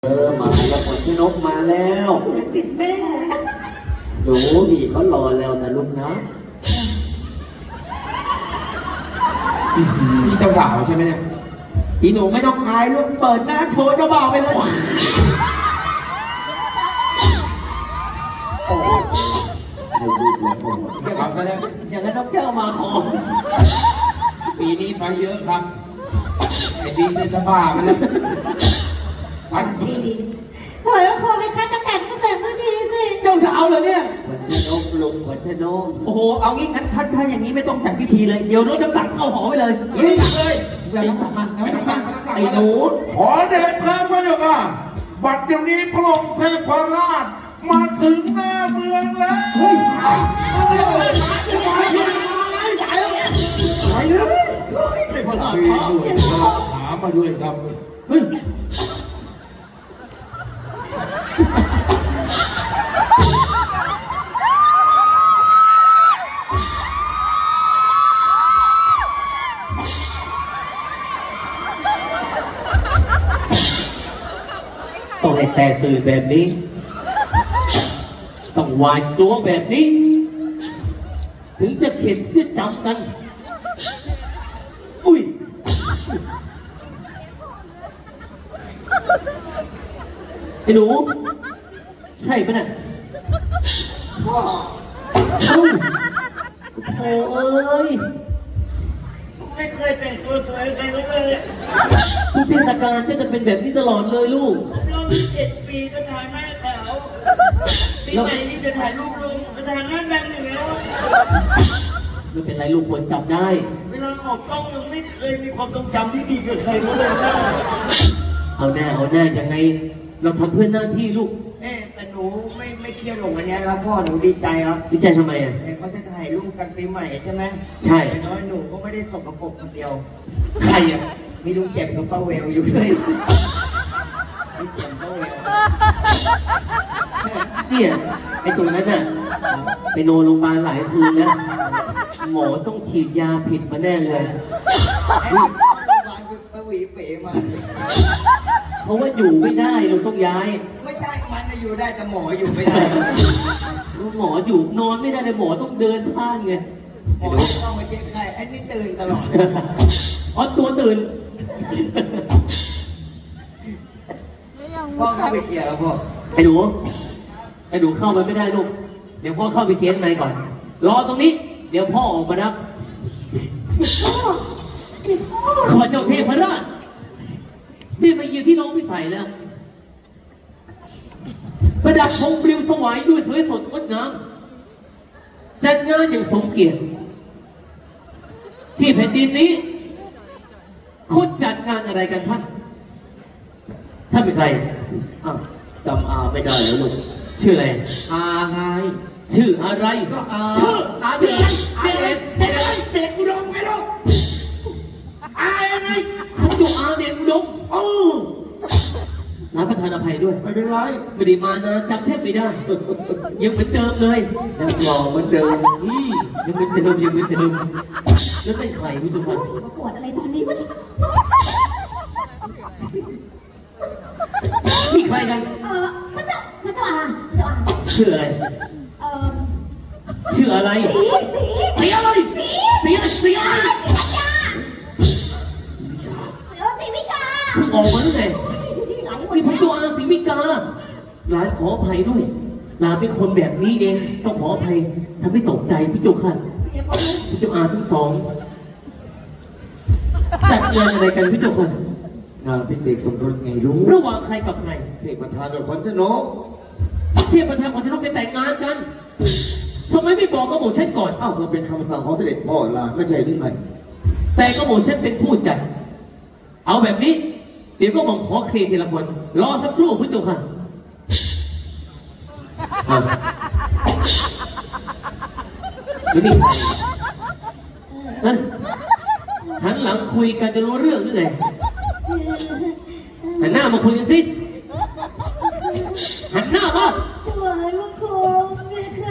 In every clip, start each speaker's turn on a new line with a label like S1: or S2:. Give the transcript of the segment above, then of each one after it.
S1: มาแล้วฝนชนกมาแล้ว
S2: ติดแม่
S1: หนูดีเขารอแล้วนะลูกนะ
S3: นี่เจ้าสาวใช่ไหมเนี่ย
S1: อีหนูไม่ต้องอายลูกเปิดหน้าโชว์เจ้าบ่าวไปเลยโอ้ยให้ลูกเลยโอ้ย
S3: เดี๋ยวก่อนก็ได้
S1: อย่างนั้นนกแก้วมาขอ
S3: ปีนี้ไปเยอะครับไอ้ดีเป็นสภาพมันแล้วพัน
S2: ดีๆปล่อยแล้วพอไหมคะจะแต่งก็แต่งไม่ดีสิ
S1: เจ้าสาวเลยเนี่ยฝนชนกลุงฝนชนกโอ้โหเอางี้งั้นถ้าอย่างนี้ไม่ต้องจัดพิธีเลยเดี๋ยวรถน้ำสั่งเข้าหอไปเลย
S3: เฮ้ยเลย
S1: เดี๋ยวน้ำสั่งมาน้ำสั่งมาไอ้หนู
S4: ขอเดชพระพระเจ้าค่ะบัดเดี๋ยวนี้พระองค์เทพราชมาถึงหน้าเมืองแล้ว
S1: เฮ้ยไปเลย ไม่พอละ
S3: มีหน่วยพระถามมาด้วยครับ
S1: เฮ้ย
S5: ต้องให้แตกตื่นแบบนี้ ต้องหวาดกลัวแบบนี้ ถึงจะเข็ดจะจำกัน อุ้ย ไอ้หนู ใช่ปะเนี่ยพ่อเอ้าโอ้เอ้ย
S1: ไม่เคยแต่งตัวสวยใครเลย
S5: ทุกเทศกาลก็จะเป็นแบบนี้ตลอดเลยลูก
S1: รอบ7 ปีก็ถ่ายแม่ขาวปีใหม่นี่จะถ่ายรูปลุงจะถ่ายหน้าดังอยู่แล้ว
S5: ไม่เป็นไรลูกควรจับได้
S1: เวลาออกกล้องยังไม่เคยมีความทรงจำที่ดีกับใครเลยนะ
S5: เอาแน่ยังไง เราทำเพื่อหน้าที่ลูก
S1: แต่หนูไม่เครียดหรอกอันนี้ครับพ่อหนูดีใจครับ
S5: วิจัยทำไมอ่ะ
S1: แต่เขาจะถ่ายรูปกันปีใหม่ใช่ไหม
S5: ใช่
S1: แต่น้อยหนูก็ไม่ได้สกปรกคนเดียว
S5: ใครอ่ะ
S1: มีลุงเจ็บกับป้าเวลอยู่ด้วยลุงเจ็บป้าเวล
S5: เนี่ยไอ้ตัวนั้นน่ะไปนอนโรงพยาบาลหลายคืนนะหมอต้องฉีดยาผิดมาแน่เลย
S1: ไอ้โรงพยาบาลป้าหวีเป๋มา
S5: เพราะว่าอยู่ไม่ได้เราต้องย้าย
S1: ไม่ใช่มันน่ะอยู่ได้แต่หมออยู่ไม่ได้
S5: หมออยู่นอนไม่ได้เลยหมอต้องเดินผ่านไง
S1: หมอต้องมาเจ็บไข้ไอ้นี่ตื่นตลอด
S5: อ๋อตัวตื่น
S1: พ่อเข้าไปเคลียร์แล้วพ่อ
S5: ไอ้หนูเข้าไปไม่ได้ลูกเดี๋ยวพ่อเข้าไปเคลียร์ข้างในก่อน รอตรงนี้ เดี๋ยวพ่อออกมารับข้าพเจ้าเทพราชได้มาเยือนที่น้องพิสัยแล้ว ประดับธงปลิวสวายด้วยสวยสดงดงามจัดงานอย่างสมเกียรติที่แผ่นดินนี้เขาจัดงานอะไรกันท่านเป็นใคร
S1: อ้าวจำอาไม่ได้แล้วลูก
S5: ชื่ออะไร
S1: อาไง
S5: ชื่ออะไร
S1: ก็อา
S5: ชื่อ
S1: อาเด็กเด็กเด็กอุดมไงลูกอาไง
S5: ท่านอยู่อาเดนอุดมน้าประธานอภัยด้วย
S1: ไม่เป็นไร
S5: ไม่ได้มานานจำแทบไม่ได้ ยังเหมือนเดิมเลย
S1: ยังหล่อเหมือนเดิม
S5: ยังเหมือนเดิมแล้วเป็นใครผู้ชมครับ
S2: มาปวดอะไรตอนนี้วะเนี่ย
S5: นี่ใครกัน
S2: พระเจ้าพระเจ้าอา
S5: ชื่ออะไร
S2: เอ่อ
S5: ชื่ออะไร
S2: สี
S5: สีอะไรสีอะไร
S2: สีมิกา
S5: เพิ่งออกมาตั้งแต่
S2: หลายคน
S5: ที่ผมตัวอาสีมิกาหลานขออภัยด้วยหลานเป็นคนแบบนี้เอง ต้องขออภัยทำให้ตกใจพี่โจขันพี่โจอาทั้งสองจัดงานอะไรกันพี่โจขัน
S1: งานพิเศษสมรสไงรู้
S5: ระหว่างใครกับใคร
S1: เทพประธานกับขวัญชนก
S5: เทียบประธานของชนกไปแต่งงานกันทำไมไม่บอกก็บอกฉันก่อน
S1: อ้าวมันเป็นคำสั่งของเสด็จพ่อล่ะไม่ใช่หรือไง
S5: แต่ก็บอกฉันเป็นผู้จัด เอาแบบนี้ เดี๋ยวก็บอกขอเคลียร์ทีละคน รอสักครู่พี่โจขันแล้วนี่ฮะหันหลังคุยกันจะรู้เรื่องหรือไงหันหน้ามาคุยกันสิ หันหน้ามา
S2: ถวายบังคมเพคะ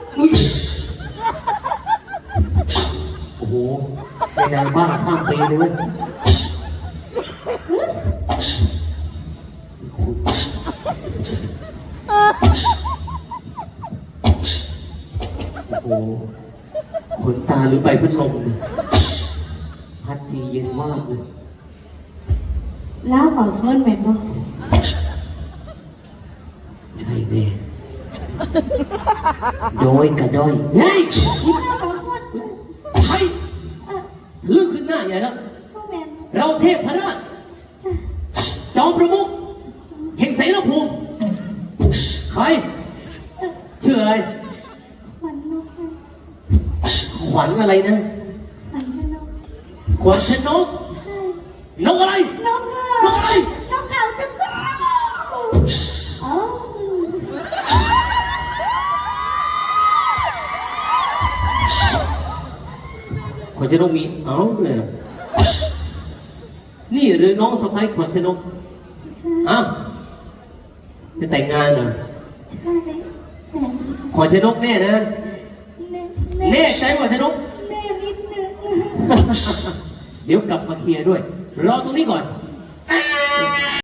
S5: โอ้โหในนางบ้าข้ามปีเลยเว้ยโอ้โหขนตาหรือใบพัดลมเนี่ยพัดทีเย็นมากเลย
S2: แล้วขอส่วนแม่บ่
S5: ใช่แน่โดยกระด้อยเฮ้ย
S2: แล้วขอส่วน
S5: ใครลือขึ้นหน้าใหญ่แล้ว
S2: พ่อแม่
S5: เราเทพพระราช
S2: จ้ะ
S5: จอมประมุขแห่งเสนาภูมิใครชื่ออะไร
S2: ขวัญนกค่ะ
S5: ขวัญอะไรนะ
S2: ขวัญนก
S5: ขวัญชนก
S2: ใช่
S5: นกอะไร
S2: นกเงื
S5: นกอะไร
S2: นกเขาจังเลยอ๋อ
S5: ขวัญชนกมีเอ้าเลยนี่หรือน้องสะใภ้ขวัญชนกอ้าวจะแต่งงานเหรอ
S2: ใช่แต่
S5: ขวัญชนกแน่นะ
S2: แน่
S5: แน่ใจขวัญชนก
S2: แน่นิดนึง
S5: เดี๋ยวกลับมาเคลียร์ด้วย รอตรงนี้ก่อน